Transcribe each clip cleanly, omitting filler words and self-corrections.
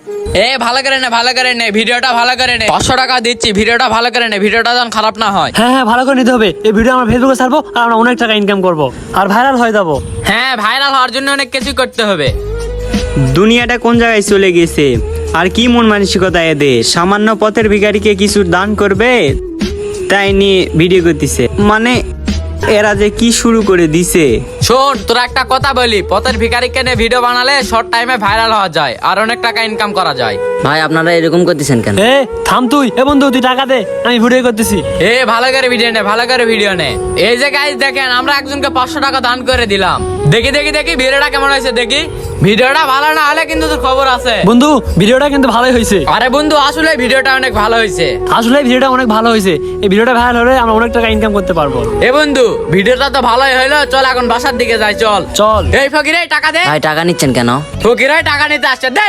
ভালো করে নে ভিডিওটা ভালো করে নে, 500 টাকা দিচ্ছি, ভিডিওটা ভালো করে নে, ভিডিওটা যেন খারাপ না হয়। হ্যাঁ হ্যাঁ, ভালো করে নিতে হবে। এই ভিডিও আমরা ফেসবুকে ছাড়বো আর আমরা অনেক টাকা ইনকাম করবো আর ভাইরাল হয়ে যাবো। হ্যাঁ, ভাইরাল হওয়ার জন্য অনেক কিছু করতে হবে। দুনিয়াটা কোন জায়গায় চলে গেছে, আর কি মন মানসিকতা এদের। সামান্য পথের ভিখারিকে কিছু দান করবে তাই নিয়ে ভিডিও করতেছে, মানে এরা যে কি শুরু করে দিছে। শোন, তোরা একটা কথা বলি, পথের ভিখারিকে নিয়ে ভিডিও বানালে শর্ট টাইমে ভাইরাল হওয়া যায় আর অনেক টাকা ইনকাম করা যায়। ভাই আপনারা এরকম করতেছেন কেন? থাম তুই। বন্ধু তুই টাকা দে, আমি ভিডিও করতেছি। ভালো করে ভিডিও নে, ভালো করে ভিডিও নে। এই যে গাইস দেখেন, আমরা একজনকে 500 টাকা দান করে দিলাম। দেখি ভিডিওটা কেমন হয়েছে দেখি। ভিডিওটা ভালো না হলে কিন্তু তোর খবর আছে। বন্ধু ভিডিওটা কিন্তু ভালোই হয়েছে। আরে বন্ধু, আসলে ভিডিওটা অনেক ভালো হয়েছে। আসলে ভিডিওটা অনেক ভালো হয়েছে। এই ভিডিওটা ভাইরাল হলে আমরা অনেক টাকা ইনকাম করতে পারবো। বন্ধু, ভিডিওটা তো ভালোই হইলো, চল এখন বাসার দিকে যাই। চল চল। এই ফকির, টাকা দে। ভাই টাকা নিচ্ছেন কেন? ফকির টাকা নিতে আসছে, দে।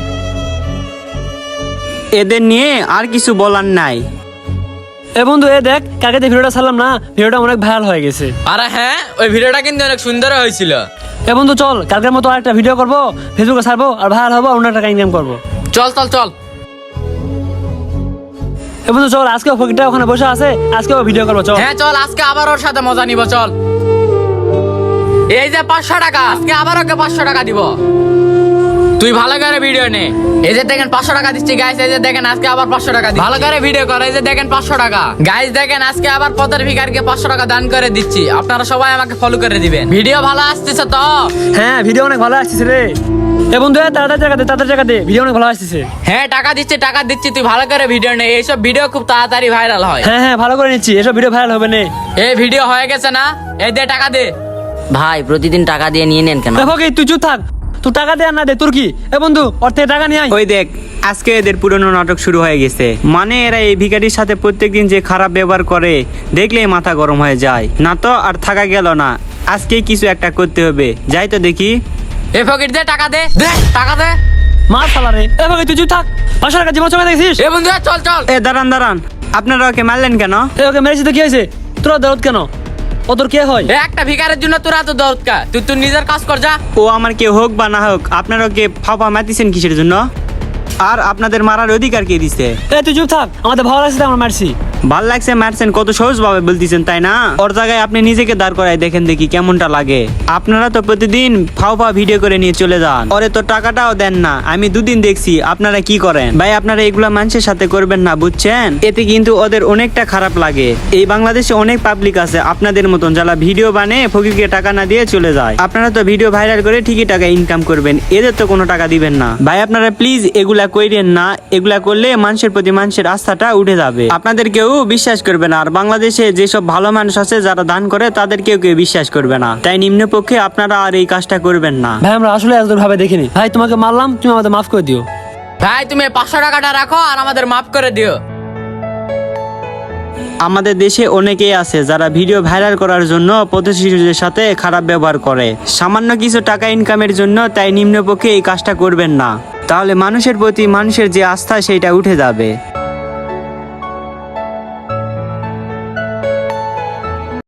এদের নিয়ে আর কিছু বলার নাই। বন্ধু দেখ, কাকে দিয়ে ভিডিওটা ছাড়লাম না, ভিডিওটা অনেক ভাইরাল হয়ে গেছে। আরে হ্যাঁ, ওই ভিডিওটা কিন্তু অনেক সুন্দর হয়েছিল। বন্ধু চল, কালকের মতো আরেকটা ভিডিও করবো, ফেসবুকে ছাড়বো আর ভাইরাল হবো, অনেক টাকা ইনকাম করবো। চল চল চল। বন্ধু চল, আজকে ফকিরটা ওখানে বসে আছে, আজকে ভিডিও করবো। চল। হ্যাঁ চল, আজকে আবার ওর সাথে মজা নিব। চল। এই যে 500 টাকা, আজকে আবার ওকে 500 টাকা দিব। তুই ভালো করে ভিডিও নে। এই যে দেখেন 500 টাকা দিচ্ছি গাইস। এই যে দেখেন আজকে আবার 500 টাকা দিচ্ছি। ভালো করে ভিডিও কর। এই যে দেখেন 500 টাকা গাইস। দেখেন আজকে আবার পথের ভিখারিকে 500 টাকা দান করে দিচ্ছি। আপনারা সবাই আমাকে ফলো করে দিবেন। ভিডিও ভালো আসতেছে তো? হ্যাঁ, ভিডিও অনেক ভালো আসতেছে রে। বন্ধু তাড়াতাড়ি টাকা দে, ভিডিও অনেক ভালো আসতেছে। হ্যাঁ, টাকা দিচ্ছি। তুই ভালো করে ভিডিও নে। এইসব ভিডিও খুব তাড়াতাড়ি ভাইরাল হয়। হ্যাঁ হ্যাঁ, ভালো করে নিচ্ছি, এসব ভিডিও ভাইরাল হবে না। এই ভিডিও হয়ে গেছে না? এই দে, টাকা দে। ভাই প্রতিদিন টাকা দিয়ে নিয়ে নেন কেন? ফকির তুই চুপ থাক, তুই টাকা দে আর না দে তোর কি। বন্ধু ওর থেকে টাকা নিয়ে আয়। ওই দেখ, আজকে এদের পুরনো নাটক শুরু হয়ে গেছে। মানে এরা এই ভিখারির সাথে প্রত্যেকদিন যে খারাপ ব্যবহার করে দেখলেই মাথা গরম হয়ে যায়। না তো আর থাকা গেল না, আজকে কিছু একটা করতে হবে। যাই তো দেখি। ফকির দে, টাকা দে, দে টাকা দে। মার শালা রে। ফকির তুই চুপ থাক, 500 টাকা জীবন চোখে দেখছিস? বন্ধু চল চল। দাঁড়ান, আপনারা ওকে মারলেন কেন? ওকে মেরেছি তো কি হয়েছে? তোরা দরদ কেন? ও তোর কে হয়? একটা ভিখারের জন্য তোরা তো দরদ কা? তুই তোর নিজের কাজ কর, যা। ও আমার কেউ হোক বা না হোক, আপনারা ওকে ফাঁপা মাতিছেন কিসের জন্য? আর আপনাদের মারার অধিকার কে দিছে? তুই চুপ থাক, আমাদের ভালো লাগছে আমরা মারছি। ভাল লাগছে মারছেন, কত সহজ ভাবে বলতেছেন তাই না? ওর জায়গায় আপনি নিজেকে দাঁড় করায় দেখেন দেখি কেমনটা লাগে। আপনারা তো প্রতিদিন ফাও ভিডিও করে নিয়ে চলে যান, ওরে তো টাকাটাও দেন না। আমি দুদিন দেখছি আপনারা কি করেন। ভাই আপনারা এগুলা মানুষের সাথে করবেন না, বুঝছেন? এতে কিন্তু ওদের অনেকটা খারাপ লাগে। এই বাংলাদেশে অনেক পাবলিক আছে আপনাদের মতন, যারা ভিডিও বানিয়ে ফকিরকে টাকা না দিয়ে চলে যায়। আপনারা তো ভিডিও ভাইরাল করে ঠিকই টাকা ইনকাম করবেন, এদের তো কোনো টাকা দিবেন না। ভাই আপনারা প্লিজ এগুলা কইরেন না, এগুলা করলে মানুষের প্রতি মানুষের আস্থাটা উঠে যাবে, আপনাদের কেউ বিশ্বাস করবে না। আর বাংলাদেশে যেসব ভালো মানুষ আছে যারা দান করে তাদের কেউ বিশ্বাস করবে না। তাই নিম্নপক্ষে আপনারা আর এই কাজটা করবেন না। ভাই আমরা আসলে এত ভাবে দেখিনি। ভাই তোমাকে মারলাম, তুমি আমাদের মাফ করে দিও। ভাই তুমি 500 টাকাটা রাখো আর আমাদের মাফ করে দিও। আমাদের দেশে অনেকেই আছে যারা ভিডিও ভাইরাল করার জন্য প্রতিবেশীদের সাথে খারাপ ব্যবহার করে সামান্য কিছু টাকা ইনকামের জন্য। তাই নিম্নপক্ষে এই কাজটা করবেন না, তাহলে মানুষের প্রতি মানুষের যে আস্থা সেইটা উঠে যাবে।